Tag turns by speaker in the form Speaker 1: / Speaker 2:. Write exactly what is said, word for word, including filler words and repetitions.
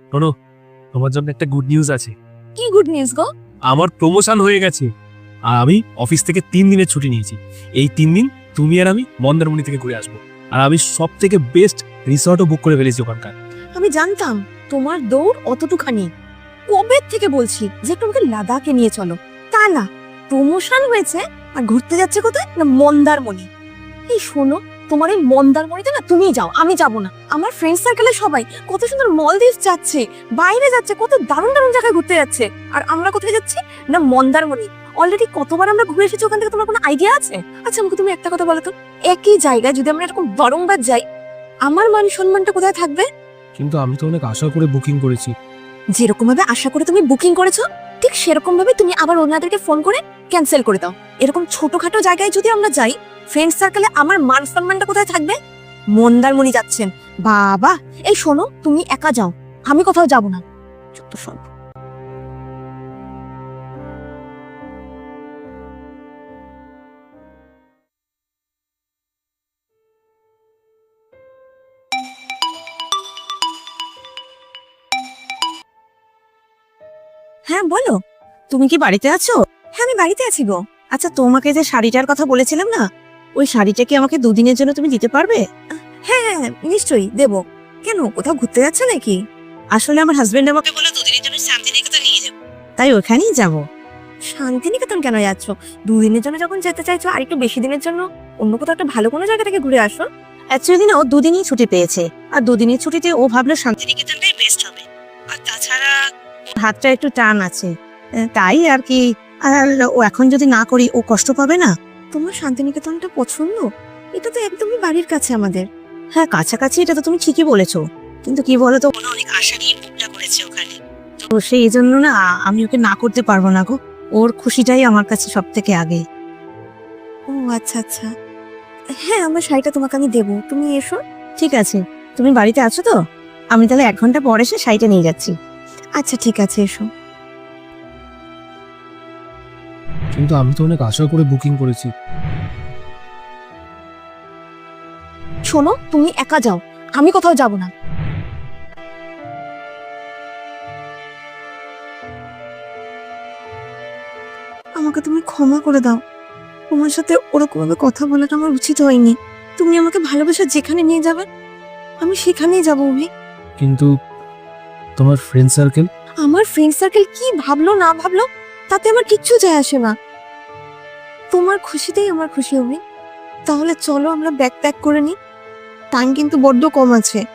Speaker 1: শোনো, তোমার জন্য একটা গুড নিউজ আছে।
Speaker 2: কি গুড নিউজ গো?
Speaker 1: আমার প্রমোশন হয়ে গেছে আর আমি অফিস থেকে তিন দিনের ছুটি নিয়েছি। এই তিন দিন তুমি আর আমি মন্দারমণি থেকে ঘুরে আসবো। আর আমি সব থেকে বেস্ট রিসর্টও বুক করে ফেলেছি ওখানকার।
Speaker 2: আমি জানতাম তোমার দৌড় অতটুখানি। কবে থেকে বলছি যে তোমাকে লাদাখে নিয়ে চলো, তা না, প্রমোশন হয়েছে আর ঘুরতে যাচ্ছে কোথায় না মন্দারমণি। এই শোনো, তোমার এই মন্দারমণিতে না তুমিই যাও, আমি যাব না। আমার ফ্রেন্ড সার্কেলে সবাই কত সুন্দর মলদ্বীপ যাচ্ছে, বাইরে যাচ্ছে, কত দারুণ দারুণ জায়গায় ঘুরতে যাচ্ছে, আর আমরা কোথায় যাচ্ছি না মন্দারমণি। অলরেডি কতবার আমরা ঘুরে এসেছি ওখান থেকে, তোমার কোনো আইডিয়া আছে? আচ্ছা আমাকে তুমি একটা কথা বলো তো, একই জায়গায় যদি আমরা এরকম বারংবার যাই, আমার মান সম্মানটা কোথায় থাকবে?
Speaker 1: কিন্তু আমি তো অনেক আশা করে বুকিং করেছি।
Speaker 2: যেরকম ভাবে আশা করে তুমি বুকিং করেছো, ঠিক সেরকম ভাবে তুমি আবার ওনাদেরকে ফোন করে ক্যান্সেল করে দাও। এরকম ছোটখাটো জায়গায় যদি আমরা যাই, ফ্রেন্ড সার্কেলে আমার মান সম্মানটা কোথায় থাকবে? মন্দারমণি যাচ্ছেন বাবা। এই শোনো, তুমি একা যাও, আমি কোথাও যাব না। যত সব। হ্যাঁ বলো,
Speaker 3: তুমি কি বাড়িতে আছো?
Speaker 2: হ্যাঁ আমি বাড়িতে আছি গো।
Speaker 3: আচ্ছা, তোমাকে যে শাড়িটার কথা বলেছিলাম না, ওই শাড়িটা কি আমাকে দুদিনের জন্য তুমি দিতে পারবে?
Speaker 2: হ্যাঁ হ্যাঁ নিশ্চয়ই দেবো। কেন, কোথাও ঘুরতে যাচ্ছে নাকি?
Speaker 3: আসলে আমার হাজবেন্ড আমাকে বলে দুদিনের জন্য শান্তিনিকেতন নিয়ে যাবো, তাই ওখানেই যাব।
Speaker 2: শান্তিনিকেতন কেন যাচ্ছ? দুদিনের জন্য যখন যেতে চাইছো, আর একটু বেশি দিনের জন্য অন্য কোথাও একটা ভালো কোনো জায়গা থেকে ঘুরে আসো।
Speaker 3: অ্যাকচুয়ালি না, ও দুদিনই ছুটি পেয়েছে, আর দুদিনের ছুটিতে ও ভাবলো শান্তিনিকেতনটাই বেস্ট হবে। আর তাছাড়া ওর হাতটা একটু টান আছে, আহ, তাই আর কি। আর ও এখন যদি না করি, ও কষ্ট পাবে না?
Speaker 2: তোমার শান্তিনিকেতনটা পছন্দ? এটা তো একদমই বাড়ির কাছে আমাদের।
Speaker 3: হ্যাঁ কাছাকাছি, এটা তো তুমি ঠিকই বলেছো, কিন্তু কি বলতো, ও না অনেক আশা নিয়ে বুকটা করেছে ওখানে, তো সেই জন্য না আমি ওকে না করতে পারবো না গো। ওর খুশিটাই আমার কাছে সব থেকে আগে।
Speaker 2: ও আচ্ছা আচ্ছা, হ্যাঁ আমার শাড়িটা তোমাকে আমি দেবো, তুমি এসো।
Speaker 3: ঠিক আছে, তুমি বাড়িতে আছো তো? আমি তাহলে এক ঘন্টা পর এসে শাড়িটা নিয়ে যাচ্ছি।
Speaker 2: আচ্ছা ঠিক আছে, এসো।
Speaker 1: কিন্তু আমি তো অনেক আশা করে বুকিং করেছি।
Speaker 2: শোনো, তুমি একা যাও, আমি কোথাও যাব না। আমাকে তুমি ক্ষমা করে দাও, তোমার সাথে ওরকম ভাবে কথা বলাটা আমার উচিত হয়নি। তুমি আমাকে ভালোবাসা যেখানে নিয়ে যাবে, আমি সেখানেই যাবো অভি।
Speaker 1: কিন্তু তোমার ফ্রেন্ড সার্কেল?
Speaker 2: আমার ফ্রেন্ড সার্কেল কি ভাবলো না ভাবলো তাতে আমার কিচ্ছু যায় আসে না। তোমার খুশিতেই আমার খুশি অভি। তাহলে চলো আমরা ব্যাগ প্যাক করে নিই, টাইম কিন্তু বড্ড কম আছে।